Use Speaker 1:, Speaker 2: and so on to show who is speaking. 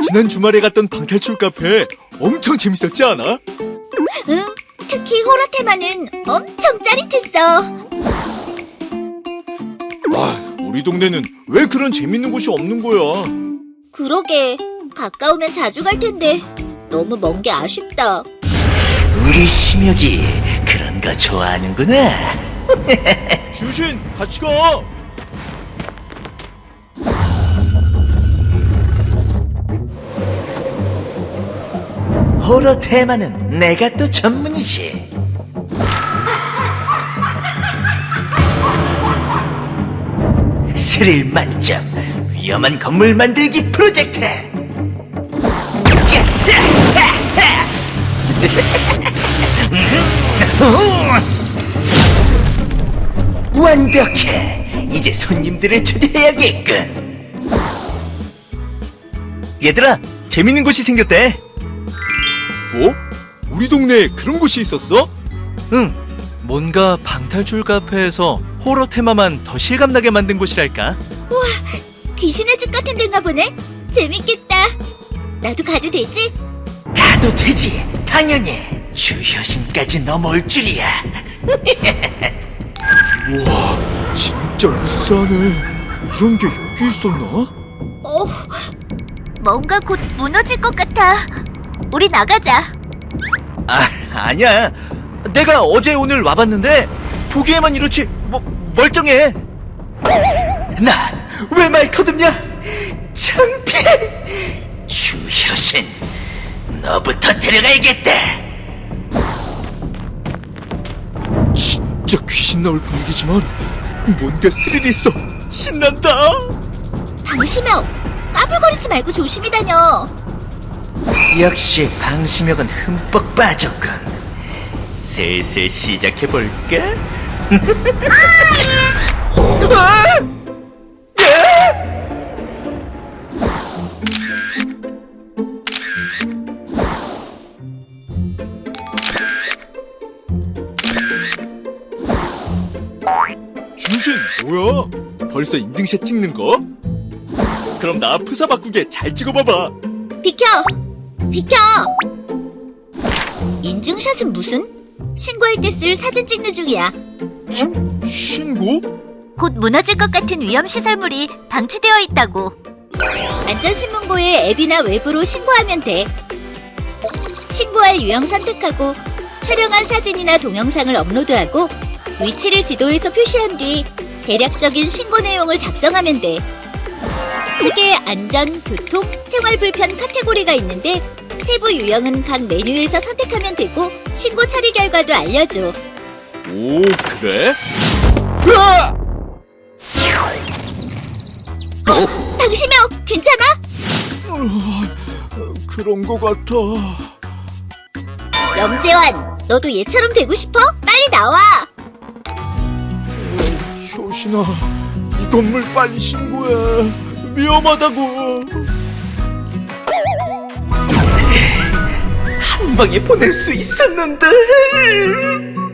Speaker 1: 지난 주말에 갔던 방탈출 카페 엄청 재밌었지 않아?
Speaker 2: 응, 특히 호러 테마는 엄청 짜릿했어.
Speaker 1: 우리 동네는 왜 그런 재밌는 곳이 없는 거야?
Speaker 2: 그러게, 가까우면 자주 갈 텐데 너무 먼 게 아쉽다.
Speaker 3: 우리 심혁이 그런 거 좋아하는구나.
Speaker 1: 주신 같이 가.
Speaker 3: 호러 테마는 내가 또 전문이지. 스릴 만점 위험한 건물 만들기 프로젝트. 완벽해. 이제 손님들을 초대해야겠군.
Speaker 1: 얘들아, 재밌는 곳이 생겼대. 뭐? 우리 동네에 그런 곳이 있었어?
Speaker 4: 응, 뭔가 방탈출 카페에서 호러 테마만 더 실감나게 만든 곳이랄까?
Speaker 2: 귀신의 집 같은 데인가 보네. 재밌겠다. 나도 가도 되지?
Speaker 3: 가도 되지. 당연히. 주효신까지 넘어올 줄이야.
Speaker 1: 우와, 진짜 으스스하네. 이런 게 여기 있었나?
Speaker 2: 뭔가 곧 무너질 것 같아. 우리 나가자.
Speaker 1: 아니야. 내가 어제 오늘 와봤는데 보기에만 이렇지 멀쩡해.
Speaker 3: 나 왜 말 터듬냐? 창피해. 주효신, 너부터 데려가야겠다.
Speaker 1: 진짜 귀신 나올 분위기지만 뭔가 스릴이 있어. 신난다.
Speaker 2: 방심혁, 까불거리지 말고 조심히 다녀.
Speaker 3: 역시 방심혁은 흠뻑 빠졌군. 슬슬 시작해볼까?
Speaker 1: 주신 뭐야? 벌써 인증샷 찍는 거? 그럼 나 프사 바꾸게 잘 찍어봐봐.
Speaker 2: 비켜! 비켜! 인증샷은 무슨? 신고할 때 쓸 사진 찍는 중이야.
Speaker 1: 신고?
Speaker 2: 곧 무너질 것 같은 위험시설물이 방치되어 있다고. 안전신문고에 앱이나 웹으로 신고하면 돼. 신고할 유형 선택하고 촬영한 사진이나 동영상을 업로드하고 위치를 지도에서 표시한 뒤 대략적인 신고 내용을 작성하면 돼. 크게 안전, 교통, 생활불편 카테고리가 있는데 세부 유형은 각 메뉴에서 선택하면 되고 신고 처리 결과도 알려줘.
Speaker 1: 오, 그래? 으아!
Speaker 2: 방심혁, 괜찮아?
Speaker 1: 그런 거 같아.
Speaker 2: 염재환, 너도 얘처럼 되고 싶어? 빨리 나와!
Speaker 1: 효신아, 이 건물 빨리 신고해. 위험하다고.
Speaker 3: 한 방에 보낼 수 있었는데.